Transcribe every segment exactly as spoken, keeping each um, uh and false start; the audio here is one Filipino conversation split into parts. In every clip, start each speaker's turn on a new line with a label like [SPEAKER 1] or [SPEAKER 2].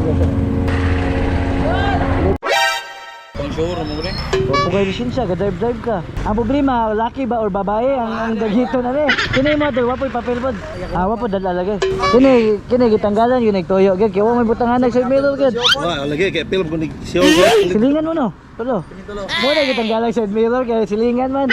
[SPEAKER 1] Pang shower mo rin.
[SPEAKER 2] Kung kayo lisensya, ga-drive-drive ka. Ang problema, laki ba or babae ang ang dagito na rin. Kini mo dal wapoy papel pod. Ah, wapo dal alagay. Kini kini gitanggalan yun nagtoyo gid kay wa may butangan nag side mirror gid.
[SPEAKER 3] Wah, lagi kay film ko ni siyo.
[SPEAKER 2] Silingan mo no. Tulo. Mo na gitanggalan side mirror kay silingan man.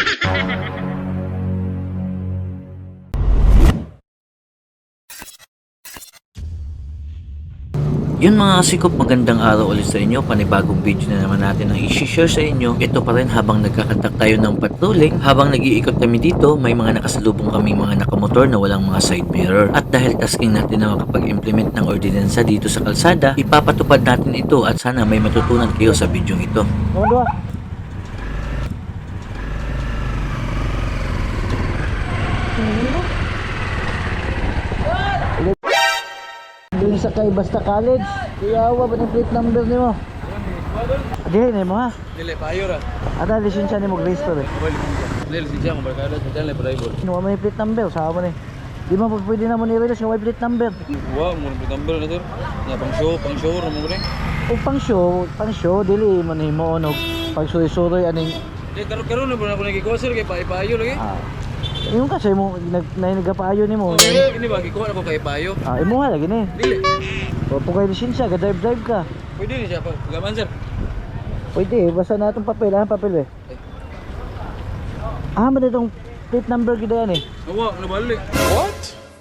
[SPEAKER 4] Yun mga kasikop, magandang araw ulit sa inyo. Panibagong video na naman natin ang i-share sa inyo. Ito pa rin habang nagkakantak tayo ng patrolling. Habang nag-iikot kami dito, may mga nakasalubong kami mga nakamotor na walang mga side mirror. At dahil tasking natin na makapag-implement ng ordinansa dito sa kalsada, ipapatupad natin ito at sana may matutunan kayo sa video ito.
[SPEAKER 2] Mo do. Dili sa kay basta college. Kuyawa ba ng plate number nimo? Dili nimo ha.
[SPEAKER 1] Dili payo ra.
[SPEAKER 2] Ada lisensya nimo register eh.
[SPEAKER 1] Dili si Jang barkada sa dali driver.
[SPEAKER 2] Kinuha mo yung plate number, saan mo ni? Di mo pwede na mo ni-release yung plate number.
[SPEAKER 1] Wa mo ni number na sir. Ya pang show, pang shower mo rin.
[SPEAKER 2] O pang show, pang show, dili mo ni mo onog. Pag suroy-suroy aning...
[SPEAKER 1] Eh karo karo na na ko nagikuha sir kay payo lagi.
[SPEAKER 2] Ah, yung kasi mo, nag, nagapaayo ni mo.
[SPEAKER 1] Ini ba gikuha na ko kay payo.
[SPEAKER 2] Ah, imuha lagi ni.
[SPEAKER 1] Dili.
[SPEAKER 2] O po kayo lisensya, ga-drive-drive ka.
[SPEAKER 1] Pwede ni siya pa. Gaman sir.
[SPEAKER 2] Pwede, basta na itong papel, ha? Papel eh. Ah, man itong plate number kita yan eh.
[SPEAKER 1] Wa nabalik.
[SPEAKER 5] What?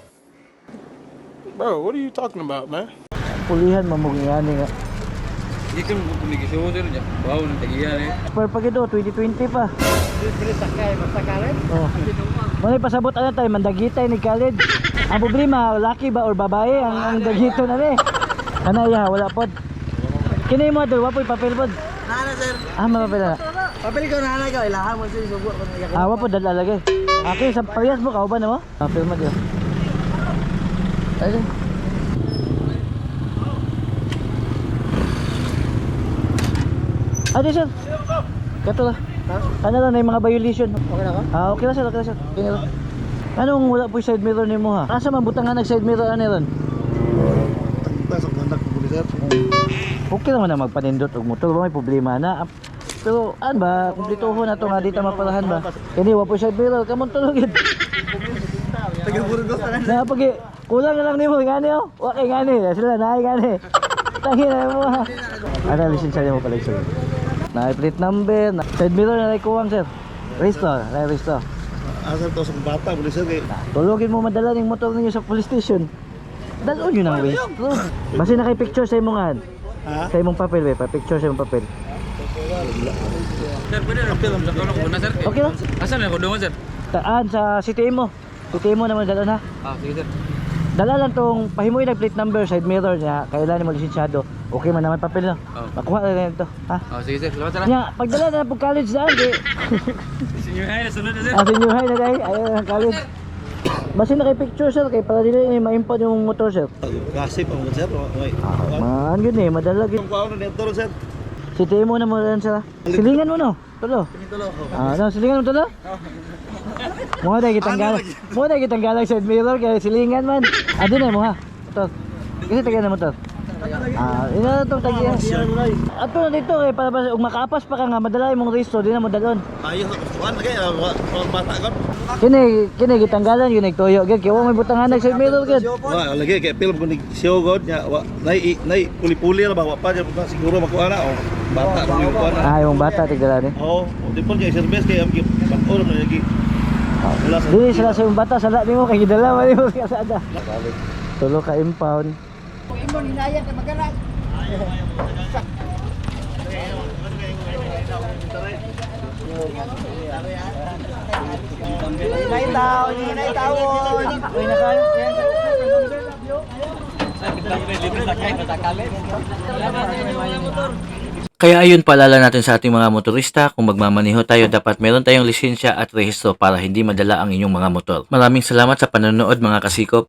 [SPEAKER 5] Bro, what are you talking about, man?
[SPEAKER 2] Pulihan, mamugin yan eh nga.
[SPEAKER 1] Ikan mo ko nagisuo sir niya. Wow, nang tagiyan eh.
[SPEAKER 2] Per pag ito, twenty twenty pa. Dili sakay, basta college? Oo. Muna pasabot ano tayo, mandagitay ni college. Ang problema, laki ba or babae ang, ang dagito na rin. Ano ya, wala pod. Kini mo dal wapoy papel pod.
[SPEAKER 6] Nana sir,
[SPEAKER 2] Ah, mapapel na.
[SPEAKER 6] papel ko nana ka, ilahan mo sir, subo ko na
[SPEAKER 2] Ah, wapo dal alagay. Okay, sa parehas mo ka ba na mo? Ah, film mo dito. Ayun. Ah, di sir. Kato la. Ano lang na yung mga violation.
[SPEAKER 6] Okay na ka?
[SPEAKER 2] Ah, okay na sir, okay na sir. Okay na lang. Anong wala po yung side mirror ni mo ha? Asa man butangan nag side mirror ano ron?
[SPEAKER 3] Pasok na ko ni sir.
[SPEAKER 2] Okay naman na magpanindot og motor, may problema na. Pero an ba, kumplituhon na to nga dito mapalahan ba? Kani wa po side mirror, kamon tulogid.
[SPEAKER 6] Taga-Burgos na.
[SPEAKER 2] Na pag kulang na lang nimo gani oh. Wa kay gani, sila naay gani. Tangi na mo ha. Ano lisensya nimo pala sir? Na plate number, na side mirror na kuwang sir. Resto, na resto.
[SPEAKER 3] Asal to sa bata mo sir kay
[SPEAKER 2] Tulogin mo madala ning motor ninyo sa police station. Dalon yun ang waste. Basi na kay picture sa imong han.
[SPEAKER 3] ha?
[SPEAKER 2] Sa imong papel, we, pa picture sa imong papel.
[SPEAKER 1] Sir, pwede na film sa kono ko na sir.
[SPEAKER 2] Okay lang.
[SPEAKER 1] Asan na ko doon sir?
[SPEAKER 2] Taan sa C T M mo. C T M mo naman dalon ha.
[SPEAKER 1] Ah, sige sir.
[SPEAKER 2] Dala lang tong pahimoy nag plate number side mirror niya. Kailan mo lisensyado. Okay man naman papel no.
[SPEAKER 1] Oh.
[SPEAKER 2] Makuha na rin ito, ha?
[SPEAKER 1] Ah, sige sir. Salamat sir.
[SPEAKER 2] Nya, pagdala na po college daan kay
[SPEAKER 1] Sinyo hay na sunod na sir.
[SPEAKER 2] ah, senior high na dai. Ayun ang college. Basi na kay picture sir kay para dili ni ma-import yung motor sir.
[SPEAKER 3] Kasi pa mo sir. Oy.
[SPEAKER 2] Man yun eh, madala gid.
[SPEAKER 3] Kung kuha na dito sir.
[SPEAKER 2] C T M mo na mo rin sir. ha? Silingan mo no. Tulo. Ah, no, silingan mo tulo. Mo dai gitanggal. Mo dai gitanggal side mirror kay silingan man. Adi na mo ha. Motor. Kasi tagay na motor. Ah, ina to tagiya. Ato na dito kay para ug makapas pa ka nga madala imong resto di na mo dalon.
[SPEAKER 3] Ayo kuan kay mga bata kon.
[SPEAKER 2] Kini kini gitanggalan yun nagtoyo gid kay wa may butangan nag side mirror gid.
[SPEAKER 3] Wah, lagi kay film ko ni siyo god nya wa nay nay puli-puli ra ba wa pa dyan, siguro makuha na oh. Bata mo yung kuan.
[SPEAKER 2] Ah, yung bata tigdala ni.
[SPEAKER 3] Oh, di po niya service kay am pag-or na lagi. Wala sa
[SPEAKER 2] Dili sila sa yung bata sala nimo kay gidala man nimo sa sada. Tulo ka impound.
[SPEAKER 6] Imo ninaya ka magalag. Nay tao, nay tawon.
[SPEAKER 2] Uy na kayo.
[SPEAKER 4] Kaya ayun, paalala natin sa ating mga motorista, kung magmamaneho tayo, dapat meron tayong lisensya at rehistro para hindi madala ang inyong mga motor. Maraming salamat sa panonood mga kasikop.